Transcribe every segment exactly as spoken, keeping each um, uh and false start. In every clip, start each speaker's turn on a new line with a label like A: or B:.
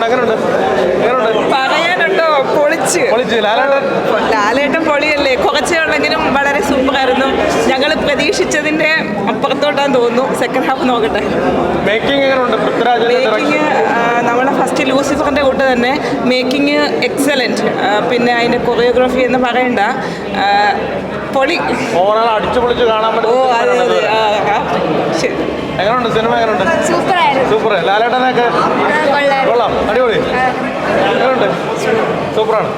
A: പറയാനുണ്ടോ? പൊളിച്ച് ലാലേട്ടൻ പൊളിയല്ലേ. കുറച്ചേ ഉള്ളെങ്കിലും വളരെ സൂപ്പറായിരുന്നു. ഞങ്ങൾ പ്രതീക്ഷിച്ചതിന്റെ അപ്പുറത്തോട്ടാന്ന് തോന്നുന്നു. സെക്കൻഡ് ഹാഫ് നോക്കട്ടെ. മേക്കിംഗ് നമ്മളെ ഫസ്റ്റ് ലൂസിഫറിന്റെ കൂട്ട് തന്നെ മേക്കിംഗ് എക്സലന്റ്. പിന്നെ അതിന്റെ കൊറിയോഗ്രാഫി എന്ന് പറയണ്ട, പൊളി.
B: അടിച്ചു പൊളിച്ച് കാണാൻ പറ്റും.
A: ഓ അതെ അതെ. ശരി,
B: എങ്ങനെയുണ്ട് സിനിമ? എങ്ങനെയുണ്ട്? സൂപ്പർ. ലാലേട്ടനൊക്കെ കൊള്ളാം, അടിപൊളി. എങ്ങനെയുണ്ട്? സൂപ്പറാണ്.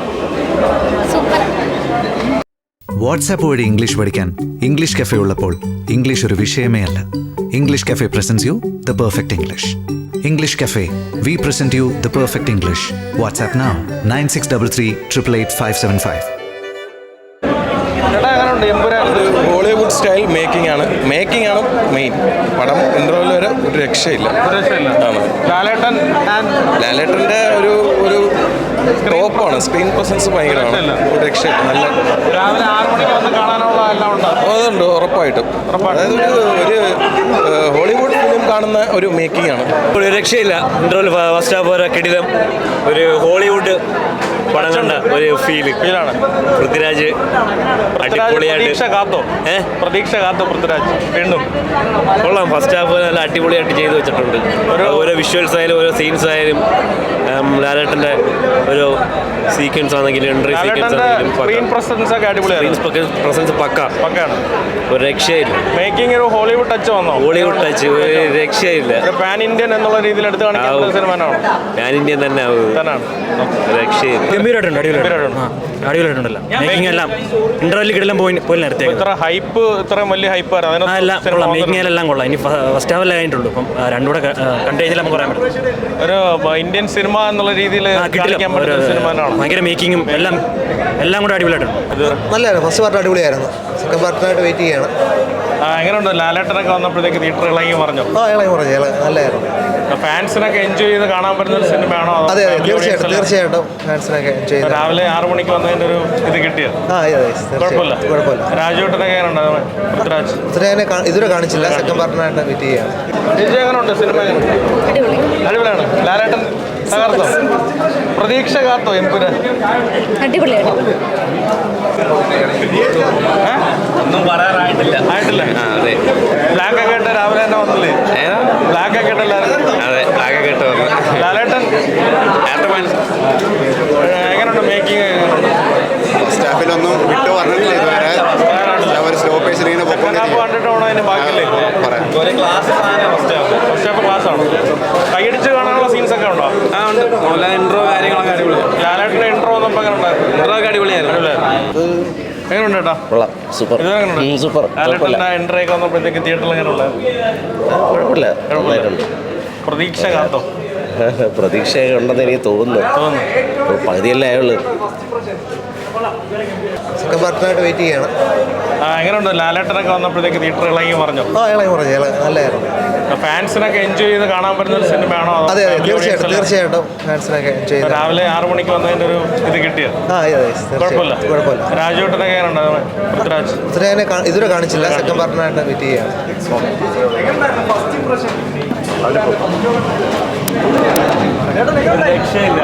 C: വാട്സാപ്പ് വഴി ഇംഗ്ലീഷ് പഠിക്കാൻ ഇംഗ്ലീഷ് കഫേ ഉള്ളപ്പോൾ ഇംഗ്ലീഷ് ഒരു വിഷയമേ അല്ല. English cafe presents you the perfect English. English cafe, we present you the perfect English. WhatsApp now nine six double three triple eight five seven five.
D: Hollywood style making ആണ് making ആണ് main. പടം interval വരെ ഒരു രക്ഷയില്ല.
B: ലാലേട്ടൻ
D: ലാലേട്ടൻ്റെ ഒരു ഒരു ടോപ്പാണ്. സ്ക്രീൻ പ്രസൻസ് ഭയങ്കരമാണ്. ഒരു രക്ഷയില്ല. നല്ല
B: രാവിലെ ആറ് മണിക്ക് വന്ന് കാണാനുള്ള എല്ലാം ഉണ്ടാകും.
D: അതുണ്ട്, ഉറപ്പായിട്ടും. അതായത് ഒരു ഒരു ഹോളിവുഡ് ഫിലിം കാണുന്ന ഒരു മേക്കിംഗ് ആണ്.
E: ഒരു രക്ഷയില്ല. ഇൻ്റർവെൽ ഫസ്റ്റ് ഹാഫ് വരെ കിടിലം. ഒരു ഹോളിവുഡ് പടം കണ്ട ഒരു ഫീല് ഫീലാണ്. പൃഥ്വിരാജ് അടിപൊളിയായിട്ട് ഏഹ് പ്രതീക്ഷ കാത്തോ പൃഥ്വിരാജ് വീണ്ടും കൊള്ളാം. ഫസ്റ്റ് ഹാഫ് നല്ല അടിപൊളിയായിട്ട് ചെയ്തു വെച്ചിട്ടുണ്ട്. ഓരോ വിഷ്വൽസ് ആയാലും ഓരോ സീൻസ് ആയാലും ലാലേട്ടൻ്റെ ഓരോ സീക്വൻസ് ആണെങ്കിലും എൻട്രി സീക്വൻസ് ആണെങ്കിലും പ്രസൻസ് പക്ക പക്കാണ്. ഒരു രക്ഷയില്ല.
B: മേക്കിംഗ് ഒരു ഹോളിവുഡ് ടച്ച് വന്നോ?
E: ഹോളിവുഡ് ടച്ച് ഒരു രക്ഷയില്ല.
B: പാൻ ഇന്ത്യൻ എന്നുള്ള രീതിയിൽ എടുത്ത് കാണിക്കുന്ന സിനിമയാണോ?
E: പാൻ ഇന്ത്യൻ തന്നെ തന്നെയാണ്. രക്ഷയില്ല.
F: ഗംഭീരമായിട്ടുണ്ട്. അടിപൊളിയായിട്ടുണ്ട്. അടിപൊളിയായിട്ടുണ്ടല്ലോ. മേക്കിംഗ് എല്ലാം ഇന്റർവെല്ലിൽ കിടലും പോയി പോയി നിർത്തി.
B: ഇത്ര ഹൈപ്പ്, ഇത്രയും വലിയ ഹൈപ്പ്
F: എല്ലാം കൊള്ളാം. മേക്കിംഗ് എല്ലാം കൊള്ളാം. ഇനി ഫസ്റ്റ് ഹാവല്ലേ കഴിഞ്ഞിട്ടുള്ളൂ. അപ്പം രണ്ടുകൂടെ കണ്ടു കഴിഞ്ഞാൽ നമുക്ക് പറയാൻ പറ്റും.
B: ഒരു ഇന്ത്യൻ സിനിമ എന്നുള്ള രീതിയിൽ
F: ഭയങ്കര മേക്കിങ്ങും എല്ലാം എല്ലാം കൂടെ അടിപൊളിയായിട്ടുണ്ട്.
G: നല്ലതായിരുന്നു. ഫസ്റ്റ് പാർട്ട് അടിപൊളിയായിരുന്നു. സെക്കൻഡ് പാർട്ടിനായിട്ട് വെയിറ്റ് ചെയ്യാണ്.
B: എങ്ങനെയുണ്ട്? ലാലേട്ടനൊക്കെ വന്നപ്പോഴത്തേക്ക് തിയേറ്റർ ഇളകി പറഞ്ഞു.
G: ആ ഇളകി പറഞ്ഞു. നല്ലതായിരുന്നു.
B: ഫാൻസിനൊക്കെ എൻജോയ് ചെയ്ത് കാണാൻ പറ്റുന്ന ഒരു സിനിമയാണോ?
G: അതെ അതെ, തീർച്ചയായിട്ടും തീർച്ചയായിട്ടും ഫാൻസിനൊക്കെ എൻജോയ് ചെയ്ത്.
B: രാവിലെ ആറ് മണിക്ക് വന്നതിൻ്റെ ഒരു ഇത് കിട്ടിയത്.
G: ആ അതെ, കുഴപ്പമില്ല കുഴപ്പമില്ല.
B: രാജുവേട്ടനൊക്കെ എങ്ങനെയുണ്ട്? പൃഥ്വിരാജ്
G: പൃഥ്വിരാജിനെ ഇതുവരെ കാണിച്ചില്ല. സെക്കൻഡ് പാർട്ടിനായിട്ട് വെയിറ്റ് ചെയ്യാണ്.
B: ചേച്ചി എങ്ങനെയുണ്ട് സിനിമ? അടിപൊളിയാണ്. ലാലേട്ടൻ തകർത്തോ? പ്രതീക്ഷ കാത്തോ? എമ്പുരാൻ
H: അടിപൊളിയാണ്.
E: ഒന്നും പറയാറായിട്ടില്ല.
B: ആയിട്ടില്ല.
E: അതെ.
B: ബ്ലാക്ക് ഒക്കെ ഇട്ട് രാവിലെ തന്നെ വന്നില്ലേ? ബ്ലാക്ക് ഒക്കെ ഇട്ട് എല്ലാവരും.
E: അതെ, ബ്ലാക്ക് ഒക്കെ ഇട്ട് വന്നു.
B: ലാലേട്ടൻ എങ്ങനെയുണ്ട്? മേക്കിംഗ്
I: സ്റ്റാഫിലൊന്നും വിട്ടു പറഞ്ഞിട്ടില്ല ഇതുവരെ. അവർ സ്റ്റോപ്പേഴ്സിൽ ഇങ്ങനെ
B: കണ്ടിട്ടാണോ അതിന് ബാക്കിയില്ലേ പറയാം? ഫസ്റ്റ് ഹാഫ് ക്ലാസ് ആണ്. കൈയടിച്ച് കാണാനുള്ള സീൻസ് ഒക്കെ ഉണ്ടോ?
E: ആ ഉണ്ട്. ഇൻട്രോ കാര്യങ്ങളൊക്കെ അടിപൊളിയാണ്.
B: ലാലേട്ടൻ്റെ ഇൻട്രോ വന്നപ്പോൾ എങ്ങനെ ഉണ്ടായിരുന്നു?
E: ഇൻട്രോ ഒക്കെ അടിപൊളിയായിരുന്നു.
B: എങ്ങനെയുണ്ട് ചേട്ടാ?
D: Super super.
B: ലാലേട്ടൻ്റെ എൻട്രി ഒക്കെ വന്നപ്പോഴത്തേക്ക് തിയേറ്ററിൽ എങ്ങനെ ഉണ്ടായിരുന്നു?
D: കുഴപ്പമില്ല.
B: പ്രതീക്ഷ കാത്തോ?
D: പ്രതീക്ഷ ഉണ്ടെന്ന് എനിക്ക് തോന്നുന്നു. പകുതിയല്ലേ ആയുള്ളൂ.
G: സെക്കൻഡ് പാർട്ടിനായിട്ട് വെയിറ്റ് ചെയ്യാണ്.
B: എങ്ങനെയുണ്ട്? ലാലേട്ടനൊക്കെ വന്നപ്പോഴത്തേക്ക് തിയേറ്റർ ഇളകി പറഞ്ഞു.
G: ആ ഇളകി പറഞ്ഞു. നല്ലതായിരുന്നു.
B: ഫാൻസിനൊക്കെ എൻജോയ് ചെയ്ത് കാണാൻ പറ്റുന്ന ഒരു സിനിമയാണോ?
G: അതെ അതെ, തീർച്ചയായിട്ടും തീർച്ചയായിട്ടും ഫാൻസിനൊക്കെ എൻജോയ് ചെയ്ത്.
B: രാവിലെ ആറ് മണിക്ക് വന്നതിൻ്റെ ഒരു ഇത് കിട്ടിയത്.
G: ആ അതെ,
B: കുഴപ്പമില്ല
G: കുഴപ്പമില്ല.
B: രാജുവേട്ടനൊക്കെ എങ്ങനെയുണ്ട്? പൃഥ്വിരാജ്
G: പൃഥ്വിരാജിനെ ഇതുവരെ കാണിച്ചില്ല. സെക്കൻഡ് പാർട്ടിനായിട്ട് വെയിറ്റ് ചെയ്യാണ്.
B: രക്ഷയില്ല.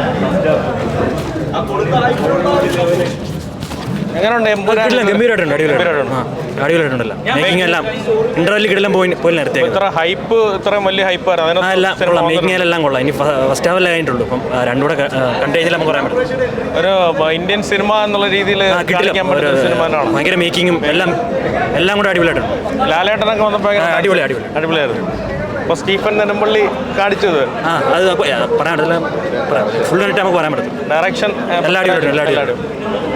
B: എങ്ങനെയുണ്ട്?
F: ഗംഭീരമായിട്ടുണ്ട്. അടിപൊളിയായിട്ടുണ്ട്. അടിപൊളിയായിട്ടുണ്ടല്ലോ. മേക്കിംഗ് എല്ലാം ഇന്റർവെല്ലിൽ കിടലും പോയി പോയി നിർത്തി.
B: ഇത്ര ഹൈപ്പ്, ഇത്രയും വലിയ ഹൈപ്പ്
F: എല്ലാം കൊള്ളാം. മേക്കിംഗ് എല്ലാം കൊള്ളാം. ഇനി ഫസ്റ്റ് ഹാവല്ലേ കഴിഞ്ഞിട്ടുള്ളൂ. അപ്പം രണ്ടുകൂടെ കണ്ടു കഴിഞ്ഞാൽ നമുക്ക് പറയാൻ പറ്റും.
B: ഒരു ഇന്ത്യൻ സിനിമ എന്നുള്ള രീതിയിൽ
F: ഭയങ്കര മേക്കിങ്ങും എല്ലാം എല്ലാം കൂടെ അടിപൊളിയായിട്ടുണ്ട്.
B: ലാലേട്ടനൊക്കെ വന്നപ്പോൾ
F: അടിപൊളി അടിപൊളി
B: അടിപൊളിയായിരുന്നു. ഇപ്പോൾ സ്റ്റീഫൻ നെടുമ്പള്ളി കാണിച്ചത്
F: ആ അത് പറയാൻ പറ്റില്ല. ഫുൾ ആയിട്ട് നമുക്ക് പറയാൻ പറ്റും.
B: ഡയറക്ഷൻ
F: എല്ലാ അടിപൊളിയായിട്ടുണ്ട്. എല്ലാ അടിപൊളിയായിട്ടും